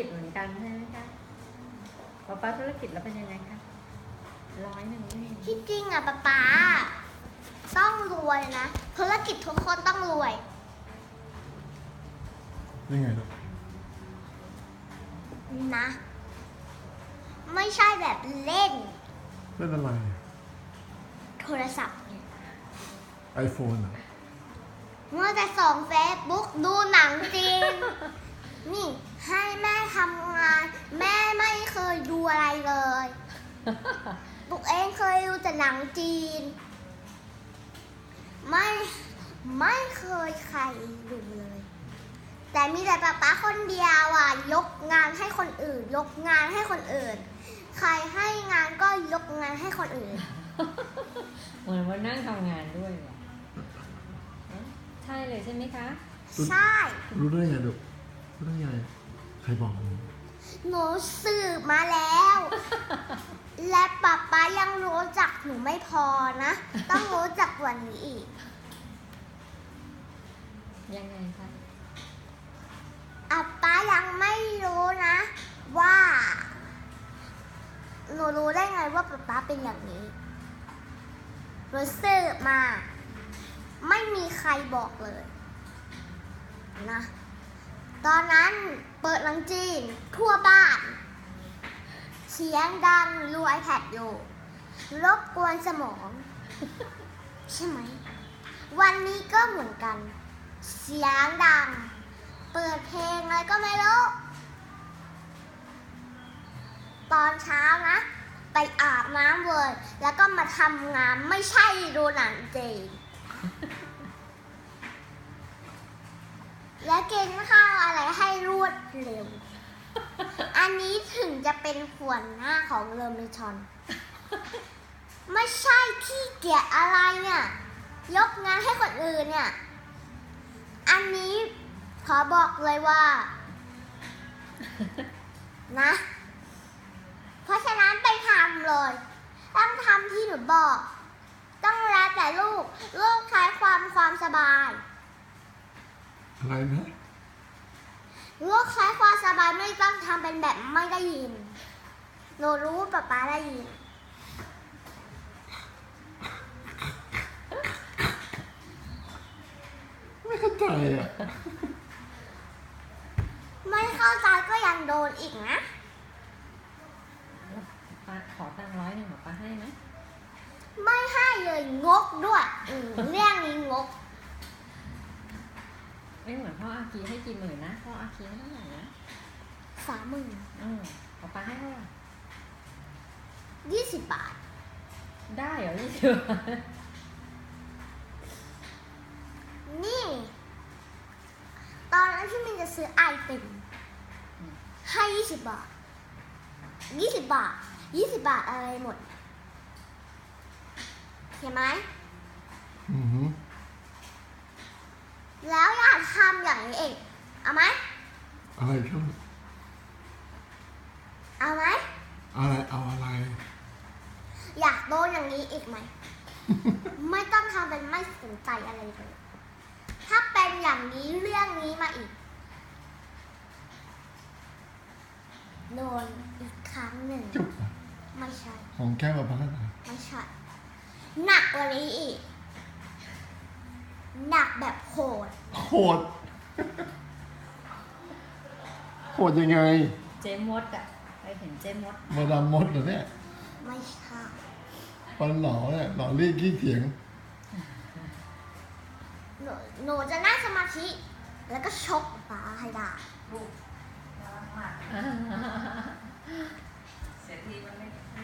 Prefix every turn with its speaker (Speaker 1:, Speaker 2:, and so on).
Speaker 1: จเหมือนกันใช่ไหมคะป๊าธุรกิจแล้วเป็นยังไงคะ100นี่
Speaker 2: ที่จริงอะป๊าต้องรวยนะธุรกิจทุกคนต้องรวย
Speaker 3: ยังไงลูก
Speaker 2: นะ ไม่ใช่แบบเล่น
Speaker 3: เล่นอะไร
Speaker 2: โทรศัพท์เนี่ย
Speaker 3: ไอโฟนเหรอ
Speaker 2: เมื่อแต่ส่องเฟซบุ๊กดูหนังจีน นี่ให้แม่ทำงาน แม่ไม่เคยดูอะไรเลยปุ๊กเองเคยดูแต่หนังจีน ไม่เคยใครดูเลย แต่มีแต่ป๊าคนเดียวอ่ะยกงานให้คนอื่น ยกงานให้คนอื่น ใครให้งานก็ยกงานให้คนอื่น
Speaker 1: เหมือนว่านั่งทำงานด้วยเหรอใช่เลยใช่ไหมคะ
Speaker 2: ใช่
Speaker 3: รู้ได้ไงลูกรู้ได้ไงใครบอกมึง
Speaker 2: หนูสืบมาแล้ว และป๊ายังรู้จักหนูไม่พอนะ ต้องรู้จักกว่านี้อีก
Speaker 1: ยังไงคะ
Speaker 2: ป๊ายังไม่รู้นะ ว่า หนูรู้ได้ไงว่าป๊าเป็นอย่างนี้หนูสืบมา ไม่มีใครบอกเลยนะ ตอนนั้นเปิดหนังจีนทั่วบ้าน เสียงดังดู iPad อยู่รบกวนสมอง ใช่ไหม วันนี้ก็เหมือนกัน เสียงดัง เปิดเพลงอะไรก็ไม่รู้ ตอนเช้านะ ไปอาบน้ำเลย แล้วก็มาทำงานไม่ใช่ดูหนังจีน และกินข้าวอะไรให้รวดเร็ว อันนี้ถึงจะเป็นหัวหน้าของเรมิชอน ไม่ใช่ขี้เกียจอะไรเนี่ย ยกงานให้คนอื่นเนี่ย อันนี้ขอบอกเลยว่า นะ เพราะฉะนั้นไปทำเลย ต้องทำที่หนูบอก ต้องแล้วแต่ลูกใช้ความสบาย
Speaker 3: อะไรนะ
Speaker 2: ลูกใช้ความสบายไม่ต้องทำเป็นแบบไม่ได้ยิน หนูรู้ป๊าได้ยิน
Speaker 3: ไม่เข้าใจอ่ะ
Speaker 2: ไม่เข้าใจก็ยังโดนอีกนะ
Speaker 1: ป๊าขอตังค์100ป๊าให้ไหม
Speaker 2: ไม่ให้เลยงกด้วยเรื่องนี้งก
Speaker 1: ไม่เหมือนพ่ออาคีให้กี่หมื่นนะพ่ออาคีให้เท่าไหร่นะ
Speaker 2: 30,000
Speaker 1: ป๊าให้เท่าไหร่
Speaker 2: 20 บาท
Speaker 1: ได้เหรอ20 บาท
Speaker 2: นี่ ตอนนั้นที่มินจะซื้อไอติมให้20 บาท 20 บาท 20 บาทอะไรหมด เห็นไหม
Speaker 3: อือหือ
Speaker 2: แล้วอยากทำอย่างนี้เองเอาไหม
Speaker 3: อะไรครับ
Speaker 2: เอาไหม
Speaker 3: อะไรเอาอะไร
Speaker 2: อยากโดนอย่างนี้อีกไหม ไม่ต้องทำเป็นไม่สนใจอะไรเลย ถ้าเป็นอย่างนี้เรื่องนี้มาอีก โดนอีกครั้งหนึ่ง
Speaker 3: จุบอ่ะ
Speaker 2: ไม่ใช่
Speaker 3: ของแก้วกับพันธ์
Speaker 2: ไม่ใช่ หนักกว่านี้อีก หนักแบบโหด
Speaker 3: โหด โหดยังไง
Speaker 1: เจมดอ่ะไปเห็นเจมด
Speaker 3: มาดามมดเหรอเนี่ย
Speaker 2: ไม่ใช่
Speaker 3: ฟันหล่อเนี่ยหล่อเรียกขี้เถียง
Speaker 2: หนูจะนั่งสมาธิ แล้วก็ชกฟ้าให้ได้
Speaker 1: อ่า